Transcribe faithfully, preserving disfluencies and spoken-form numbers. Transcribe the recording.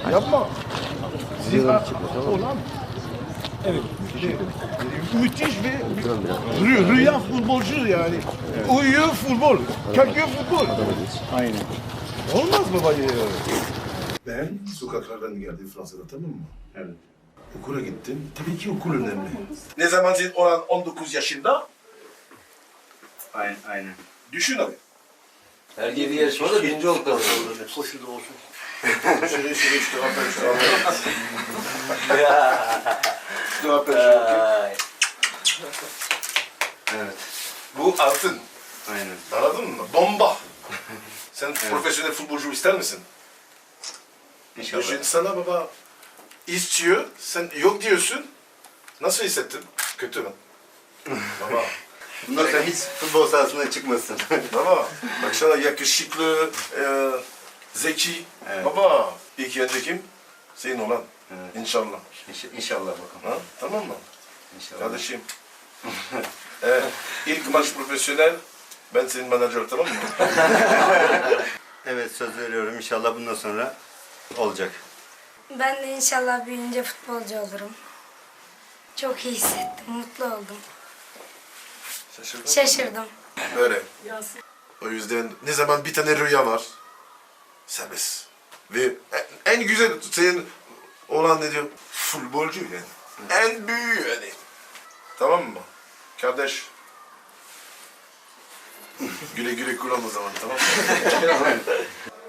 Yapma. Ziyaret çıkmış ama. Olan. Evet. Müthiş bir rü- rüya futbolcu yani. Uyuyor futbol. Kalkıyor futbol. Aynen. Olmaz mı bayı? Ben sokaklardan geldim Fransa'da, tamam mı? Evet. Okula gittim. Tabii ki okul önemli. Ne zaman senin olan on dokuz yaşında? Aynen. Aynen. Düşün abi. Her yedi yarışmada birinci olduk da. Koşuda olsun. Şöyle şöyle işte haber işte haber. İşte haber işte. Evet. Bu altın. Aynen. Anladın mı? Bomba. Sen profesyonel futbolcu ister misin? İnşallah. Düşün sana baba istiyor, sen yok diyorsun. Nasıl hissettin? Kötü mü? Baba. Bundan sonra hiç futbol sahasına çıkmasın. Baba. Bak sana yakışıklı, e, zeki. Evet. Baba. İlk önce kim? Senin olan. Evet. İnşallah. İnş- İnşallah bakalım. Ha? Tamam mı? İnşallah. Kardeşim. evet. İlk maç profesyonel. Ben senin menajer, tamam mı? Evet, söz veriyorum. İnşallah bundan sonra olacak. Ben de inşallah büyüyünce futbolcu olurum. Çok iyi hissettim, mutlu oldum. Şaşırdın mı? Şaşırdım. Böyle. O yüzden ne zaman bir tane rüya var, serbest. Ve en, en güzel senin olan ne diyor? Futbolcu yani. En büyüğü yani. Tamam mı? Kardeş. Güle güle kullan o zaman, tamam mı?